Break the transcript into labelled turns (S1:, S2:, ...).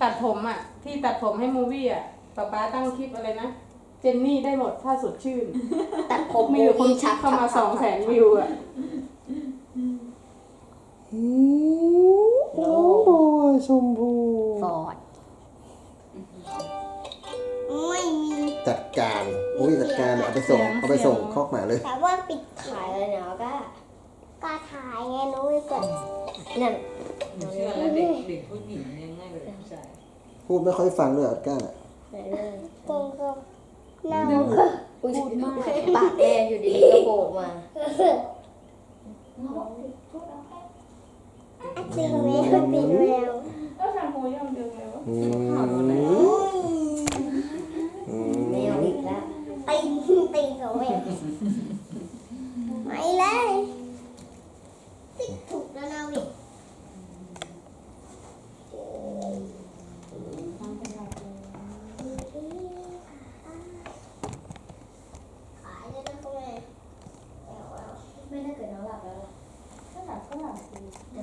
S1: ตัดผมอ่ะที่ตัดผมให้มูวี่อ่ะป๊าตั้งคลิปอะไรนะเจนนี่ได้หมดถ้าสดชื่น
S2: ตัดผม
S1: มีอยู่คนชักเข้ามา200,000 วิวอ่ะ
S3: น้องบอยชมพู
S2: ฟอร์ดไม่มี
S3: จัดการอุ้ยจัดการเอาไปส่งคอกหมาเลย
S2: แต่ว่าปิดถ่ายเลยเนาะก็ถ่ายไงนุ้ยก่อนนั่น
S4: หนูเชื่อแล้วเด็กผู้หญิงเนี่ยง่ายกว่าเด็กผู้ชาย
S3: พูดไม่ค่อยฟังเลยอัดก้า
S2: ไหนเลยตรงกับหน้าพูดมากปากแดงอยู่ดีก็โผล่มาติงแล้ว
S1: ก็ทำโมยอมดึงเลยวะ
S2: แมวอีกแล้วติงเขาแม่ไม่เลยติดถูกแล้วนะวิขายเลยนะคุณแม่ไม่ถ้าเกิดน้องหลับแล้วล่ะ
S1: ก็หลับ